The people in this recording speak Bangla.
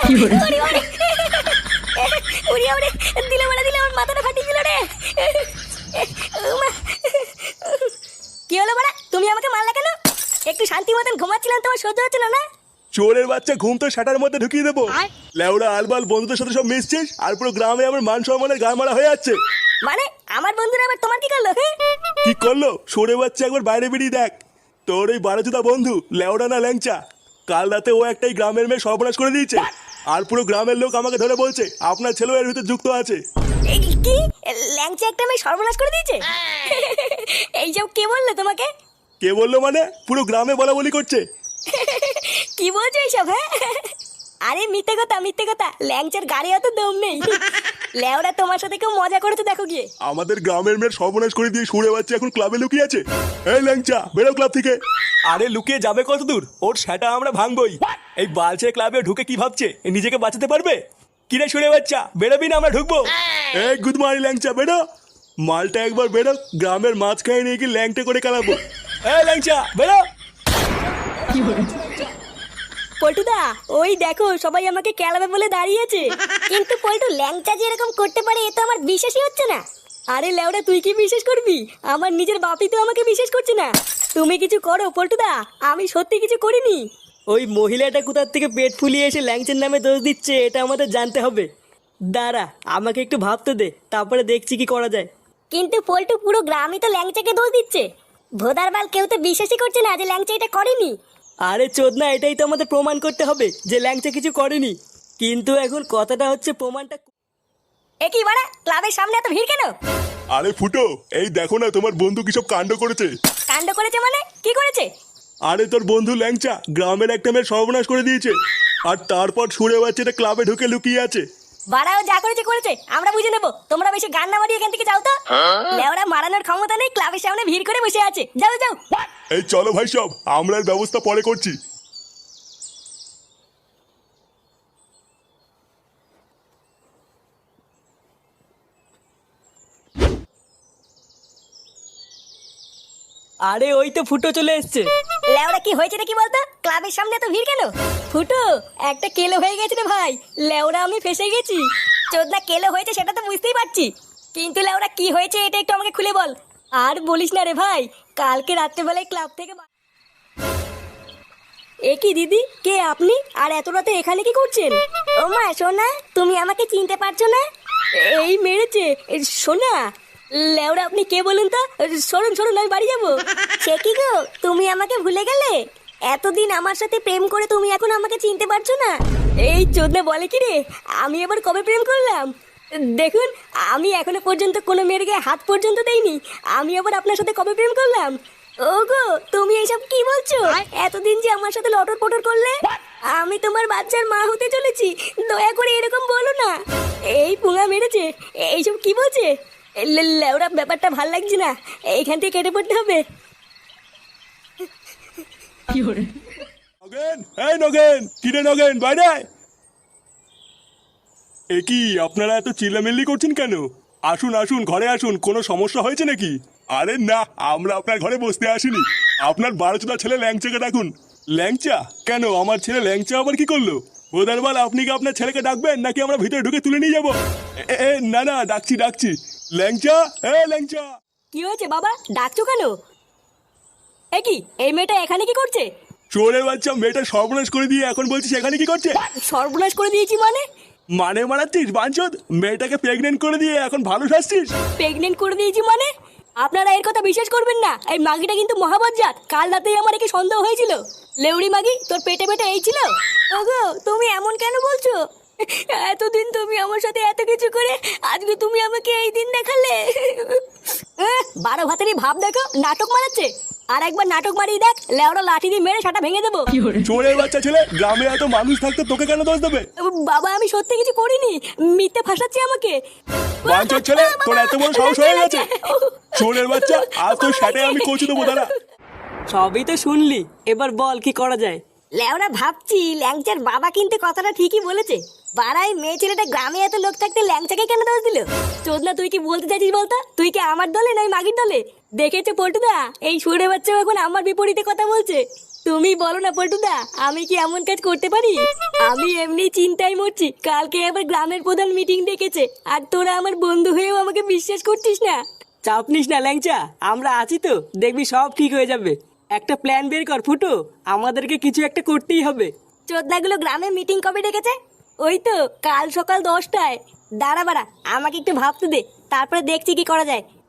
ওরে ওরে ওরে ওরে দিলে বলে দিলে আমার মাথাটা ফাটিয়ে দিল রে। উমা। কি হলো বড়া, তুমি আমাকে মারলে কেন? একটু শান্তি মতন ঘুমাচ্ছিলাম, তোমার সহ্য হচ্ছিল না? চোরের বাচ্চা, ঘুম তো শাটার মধ্যে ঢুকিয়ে দেবো। লেউড়া আলবাল বন্ধুদের সাথে সব মিশছিস, আর পুরো গ্রামে আমার মান সম্মানের গা মারা হয়ে যাচ্ছে। মানে আমার বন্ধুরা আবার তোমার কি করলো? কি করলো? সরে বাচ্চা, একবার বাইরে বেরিয়ে দেখ। তোর ওই বারোজুদা বন্ধু লেউড়া না ল্যাংচা, কাল রাতে ও একটাই গ্রামের মেয়ে সর্বনাশ করে দিয়েছে। আর পুরো গ্রামের লোক আমাকে ধরে বলছে আপনার ছেলেও এর ভিতরে যুক্ত আছে। এই কি ল্যাংচা একটা মেয়ে সর্বনাশ করে দিয়েছে? এইসব কে বললো তোমাকে? কে বললো মানে? পুরো গ্রামে বলা বলি করছে। কি বলছো এইসব? হ্যাঁ, আরে মিথ্যে কথা মিথ্যে কথা, ল্যাংচার গাড়ি অত দম নেই। লেওরা তোমার সাথে কেউ মজা করেছে দেখো গিয়ে। আমাদের গ্রামের মেয়ের সর্বনাশ করে দিয়ে সরে বাচ্চা এখন ক্লাবে লুকিয়ে আছে। এই ল্যাংচা, বেরো ক্লাব থেকে। আরে লুকিয়ে যাবে কত দূর? ওর সেটা আমরা ভাঙবই। এই বালছে ক্লাবে ঢুকে কি ভাবছে নিজেকে বাঁচাতে পারবে? কিরে শুনে বাচ্চা, বেরোবি না আমরা ঢুকবো? এই গুড মর্নিং ল্যাংচা, বেরো। মালটা একবার বেরো, গ্রামের মাঝখানে নিয়ে গিয়ে ল্যাংটা করে খেলাবো। এই ল্যাংচা বেরো। পল্টুদা, ওই দেখো সবাই আমাকে কেলাবে বলে দাঁড়িয়েছে। কিন্তু পল্টু, ল্যাংচা যে এরকম করতে পারে এ তো আমার বিশ্বাসই হচ্ছে না। আরে লেওড়া, তুই কি বিশ্বাস করবি? আমার নিজের বাপই তো আমাকে বিশ্বাস করছে না। তুমি কিছু করো পল্টুদা, আমি সত্যি কিছু করিনি। ওই মহিলাটা কোথার থেকে পেট ফুলিয়ে এসে ল্যাংচের নামে দোষ দিচ্ছে, এটা আমাদের জানতে হবে। দাঁড়া, আমাকে একটু ভাবতে দে, তারপরে দেখছি কি করা যায়। কিন্তু পল্টু, পুরো গ্রামই তো ল্যাংচাকে দোষ দিচ্ছে। ভোদারবাল কেউ তো বিশ্বাসই করছে না যে ল্যাংচা এটা করেনি। আরে চোদনা, এটাই তো আমাদের প্রমাণ করতে হবে যে ল্যাংচা কিছু করেনি। কিন্তু এখন কথাটা হচ্ছে প্রমাণটা। এ কি বাড়া, ক্লাবের সামনে এত ভিড় কেন? আরে ফুটো, এই দেখো না তোমার বন্ধু কি সব কাণ্ড করেছে। কাণ্ড করেছে মানে? কি করেছে? আরে তোর বন্ধু ল্যাংচা গ্রামের একটা মেয়ের সর্বনাশ করে দিয়েছে, আর তারপর সুরে বাচ্চাটা ক্লাবে ঢুকে লুকিয়ে আছে। বাড়াও, যা করেছে করেছে, আমরা বুঝে নেবো। তোমরা বেশি গান না মারিয়ে এখান থেকে যাও তো। লেওরা মারানোর ক্ষমতা নেই, ক্লাবের সামনে ভিড় করে বসে আছে। যাও যাও। এই চলো ভাই, সব আমরা এর ব্যবস্থা পরে করছি। আরে ওই তো ফুটো চলে এসছে। লেওরা, কি হয়েছে রে কি বলতো? ক্লাবের সামনে এত ভিড় কেন? ফুটো, একটা কেলো হয়ে গেছে রে ভাই। লেওরা, আমি ফেসে গেছি। চোদনা কেলো হয়েছে সেটা তো বুঝতেই পারছি, কিন্তু লেওরা কি হয়েছে এটা একটু আমাকে খুলে বল। আর বলিস না রে ভাই, কালকে রাত্রেবেলায় ক্লাব থেকে এ কি দিদি, কে আপনি? আর এত রাতে এখানে কি করছেন? ও মা সোনা, তুমি আমাকে চিনতে পারছো না? এই মেরেছে সোনা। লেওরা, আপনি কে বলুন তো? সরুন সরুন, আমি বাড়ি যাবো। সে কি গো, তুমি আমাকে ভুলে গেলে? এতদিন আমার সাথে প্রেম করে তুমি এখন আমাকে চিনতে পারছো না? এই চোদনা বলে কি রে, আমি এবার কবে প্রেম করলাম? দেখুন, আমি এখনো পর্যন্ত কোনো মেয়ের গায়ে হাত পর্যন্ত দেইনি। আমি আবার আপনার সাথে কবে প্রেম করলাম? ওগো, তুমি এইসব কি বলছো? এতদিন যে আমার সাথে লটর পটর করলে, আমি তোমার বাচ্চার মা হতে চলেছি। দয়া করে এরকম বলো না। এই পুঙা মেরেছে, এইসব কি বলছে? লেওরা, ব্যাপারটা ভাল লাগছে না, এইখান থেকে কেটে পড়তে হবে। নগেন, এই নগেন, কিরে নগেন, বাইরে আয়। এ কি আপনারা এত চিল্লামিল্লি করছেন কেন? আসুন আসুন, ঘরে আসুন। কোনো সমস্যা হয়েছে নাকি? আরে না, আমরা আপনার ঘরে বসতে আসিনি। আপনার বারোচোদা ছেলে ল্যাংচাকে ডাকুন। ল্যাংচা? কেন, আমার ছেলে ল্যাংচা আবার কি করলো? বোধারবাল, আপনি কি আপনার ছেলেকে ডাকবেন নাকি আমরা ভিতরে ঢুকে তুলে নিয়ে যাবো? না না, ডাকছি ডাকছি। ল্যাংচা, ল্যাংচা। কি হয়েছে বাবা, ডাকছো কেন? এ কি, এই মেয়েটা এখানে কি করছে? চোরের বাচ্চা, মেয়েটা সর্বনাশ করে দিয়ে এখন বলছিস এখানে কি করছে? সর্বনাশ করে দিয়েছি মানে? মানে মারাচ্ছিস বাঞ্চদ? মেয়েটাকে প্রেগনেন্ট করে দিয়ে এখন ভালো শাসছিস? প্রেগনেন্ট করে দিয়েছি মানে? আপনারা এর কথা বিশ্বাস করবেন না। এই মাগিটা কিন্তু মহাবজ্জাত। কাল রাতেই আমার একে সন্দেহ হয়েছিল। লেউড়ি মাগি, তোর পেটে পেটে এই ছিল? ওগো, তুমি এমন কেন বলছো? এতদিন তুমি আমার সাথে এত কিছু করে আজকে তুমি আমাকে এই দিন দেখালে। 12 ভাতেরই ভাব দেখো, নাটক মারাচ্ছে। আর একবার নাটক মারিয়ে দেখ, লেওড়া লাঠি দিয়ে মেরে সেটা ভেঙে দেবো। চোরের বাচ্চা ছেলে, গ্রামে এত মানুষ থাকতে তোকে কেন দোষ দেবে? বাবা, আমি সত্যি কিছু করিনি, মিথ্যে ফাঁসাচ্ছে আমাকে। বাঞ্চদ ছেলে, তোর এত বড় সাহস হয়ে গেছে? চোরের বাচ্চা, আজ তোর সাথে আমি কচু দেবো, দাঁড়া। সবই তো শুনলি, এবার বল কি করা যায়। লেওরা, ভাবছি ল্যাংচার বাবা কিন্তু কথাটা ঠিকই বলেছে। বাড়াই মেয়ে ছেলেটা গ্রামে এত লোক থাকতে ল্যাংচাকে কেন দোষ দিল? চোদনা, তুই কি বলতে চাইছিস বলতো? তুই কি আমার দলে নয় মাগির দলে? দেখেছো পল্টুদা, এই সুরে বাচ্চা এখন আমার বিপরীতে কথা বলছে। তুমি বলো না পল্টুদা, আমি কি এমন কাজ করতে পারি? আমি এমনি চিন্তায় মরছি, কালকে আবার গ্রামের প্রধান মিটিং ডেকেছে, আর তোরা আমার বন্ধু হয়েও আমাকে বিশ্বাস করছিস না। চাপ নিস না ল্যাংচা, আমরা আছি তো, দেখবি সব ঠিক হয়ে যাবে। একটা প্ল্যান বের কর ফুটো, আমাদেরকে কিছু একটা করতেই হবে। চোদনাগুলো গ্রামে মিটিং কবে ডেকেছে? ওই তো কাল সকাল 10টায়। দাঁড়া বাড়া, আমাকে একটু ভাবতে দে, তারপরে দেখছি কি করা যায়।